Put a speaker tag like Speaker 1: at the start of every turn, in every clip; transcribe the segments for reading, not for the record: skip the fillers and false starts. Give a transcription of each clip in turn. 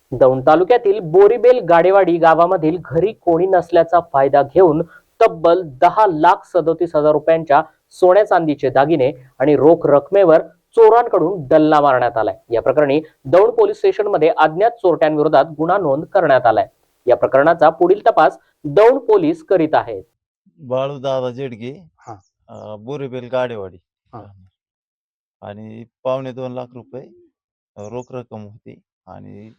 Speaker 1: दौंड तालुक्यातील बोरीबेल गाडेवाडी गावामधील घरी कोणी नसल्याचा फायदा घेऊन तब्बल 10,37,000 रुपयांच्या सोन्या चांदीचे दागिने आणि रोख रकमेवर चोरांकडून डल्ला मारण्यात आलाय। या प्रकरणी दौंड पोलीस स्टेशनमध्ये अज्ञात चोरट्यांविरोधात गुन्हा नोंद करण्यात आलाय। या प्रकरणाचा पुढील तपास दौंड पोलीस करीत आहेत।
Speaker 2: बाळू दादा जेडगे,
Speaker 3: हा.
Speaker 2: बोरीबेल गाडेवाडी
Speaker 3: हा.
Speaker 2: आणि 2.25 लाख रुपये रोख रक्कम होती आणि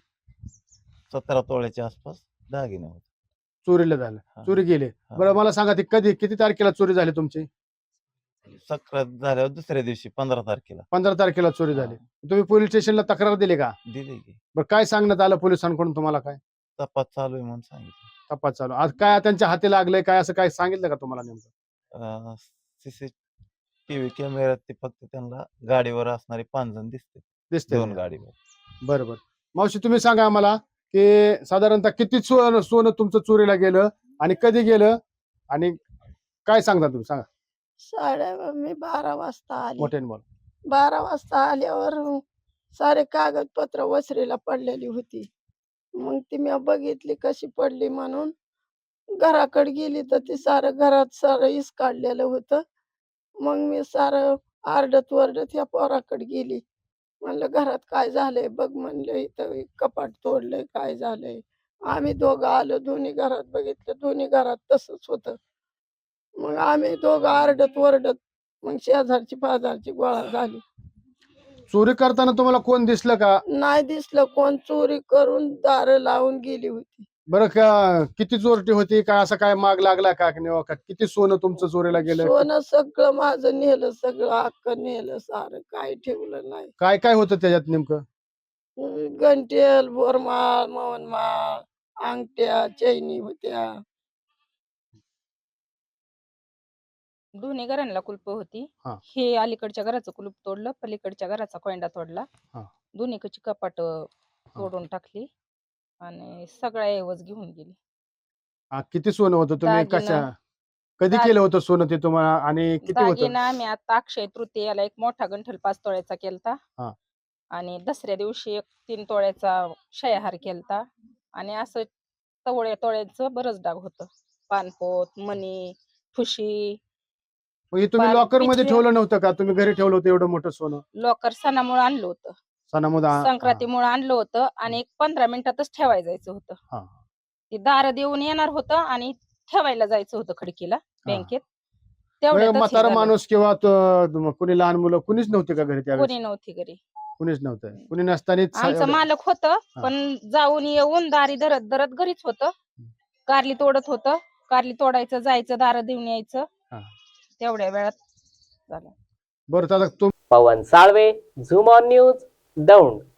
Speaker 2: 17 तोळ्याच्या आसपास दागिने होते।
Speaker 3: चोरीला झालं,
Speaker 2: हा.
Speaker 3: चोरी गेले।
Speaker 2: हा.
Speaker 3: बरं मला सांगा ती किती तारखेला चोरी झाली तुमची?
Speaker 2: सक्रात झाल्यावर दुसऱ्या दिवशी 15 तारखेला
Speaker 3: 15 तारखेला चोरी
Speaker 2: हा.
Speaker 3: झाली। तुम्ही पोलीस स्टेशनला तक्रार दिली का?
Speaker 2: दिली की
Speaker 3: बरं काय सांगण्यात आलं पोलिसांकडून तुम्हाला? काय
Speaker 2: तपास चालू आहे म्हणून सांगितलं।
Speaker 3: तपास चालू? आज काय त्यांच्या हाती लागलंय काय असं काय सांगितलं का तुम्हाला नेमकं?
Speaker 2: सीसीटीव्ही कॅमेऱ्यात ते फक्त त्यांना गाडीवर असणारे 5 जण दिसते,
Speaker 3: दिसते
Speaker 2: 2 गाडीवर।
Speaker 3: बरोबर। मावशी तुम्ही सांगा आम्हाला की साधारणतः किती सोनं तुमचं चोरीला गेलं आणि कधी गेलं आणि काय सांगता तुम्ही? सांगा
Speaker 4: मी 12 वाजता आली।
Speaker 3: मोठ्याने बोला।
Speaker 4: 12 वाजता आल्यावर सारे कागदपत्र वसरीला पडलेली होती। मग ती मी बघितली कशी पडली म्हणून घराकडे गेली तर ती सारं घरात सारं इस काढलेलं होतं। मग मी सारं आरडत वरडत या पोराकडे गेली। म्हणलं घरात काय झालंय बघ, म्हणलं इथं कपाट तोडलंय, काय झालंय? आम्ही दोघं आलो, दोन्ही घरात बघितलं, दोन्ही घरात तसंच होतं। मग आम्ही दोघं आरडत वरडत मग शेजारची पाजारची गोळा झाली।
Speaker 3: चोरी करताना तुम्हाला कोण दिसलं का?
Speaker 4: नाही दिसलं कोण, चोरी करून दारं लावून गेली होती।
Speaker 3: बरं का किती चोरटी होती? काय असं काय माग लागला का? किती सोनं तुमचं चोरीला गेलं?
Speaker 4: सोनं सगळं माझं नेलं, सगळं हक्क नेलं, सारं काय ठेवलं नाही।
Speaker 3: काय काय होतं त्याच्यात नेमकं?
Speaker 4: गंटेल, बोरमाळ, मवनमाळ, अंगठ्या, चैनी होत्या।
Speaker 5: दोन्ही घरांना कुलप होती।
Speaker 3: हा.
Speaker 5: हे अलीकडच्या घराचं कुलूप तोडलं, पलीकडच्या घराचा कोंडा तोडला।
Speaker 3: हा.
Speaker 5: दोन्हीकडची कपाट तोडून टाकली आणि सगळ्या ऐवज घेऊन गेली।
Speaker 3: किती सोनं होतं? तुम्ही कधी केलं होतं सोनं ते तुम्हाला आणि किती होतं?
Speaker 5: दागिना आम्ही आता अक्षय तृतीयेला एक मोठा गंठल 5 तोळ्याचा केलता
Speaker 3: हा.
Speaker 5: आणि दसऱ्या दिवशी एक 3 तोळ्याचा शयाहार केलता आणि असं तोळ्याचं बरंच डाग होतं। पानपोत, मणी, ठुशी।
Speaker 3: मग हे तुम्ही लॉकर मध्ये ठेवलं नव्हतं का? तुम्ही घरी ठेवलं होतं एवढं मोठं सोनं?
Speaker 5: लॉकर सणामुळे आणलं होतं,
Speaker 3: सणामध्ये
Speaker 5: संक्रांतीमुळे आणलं होतं आणि एक 15 मिनिटातच ठेवायला जायचं होतं। ते दार देऊन येणार होतं आणि ठेवायला जायचं होतं खडकीला बँकेत। तेवढ्यातच हे
Speaker 3: म्हातारा
Speaker 5: झालं।
Speaker 3: माणूस किंवा कोणी लहान मुलं कुणीच नव्हते का घरी त्यावेळेस?
Speaker 5: कोणी नव्हती घरी,
Speaker 3: कुणीच नव्हतं। कुणी नसताना
Speaker 5: आमचं मालक होतं पण जाऊन येऊन दारी धरत धरत घरीच होतं। कारली तोडत होतं, कारली तोडायचं, जायचं, दार देऊन यायचं, तेवढ्या वेळात झालं।
Speaker 3: बरं दादा
Speaker 1: Pawan Salve, zoom on news, Daund.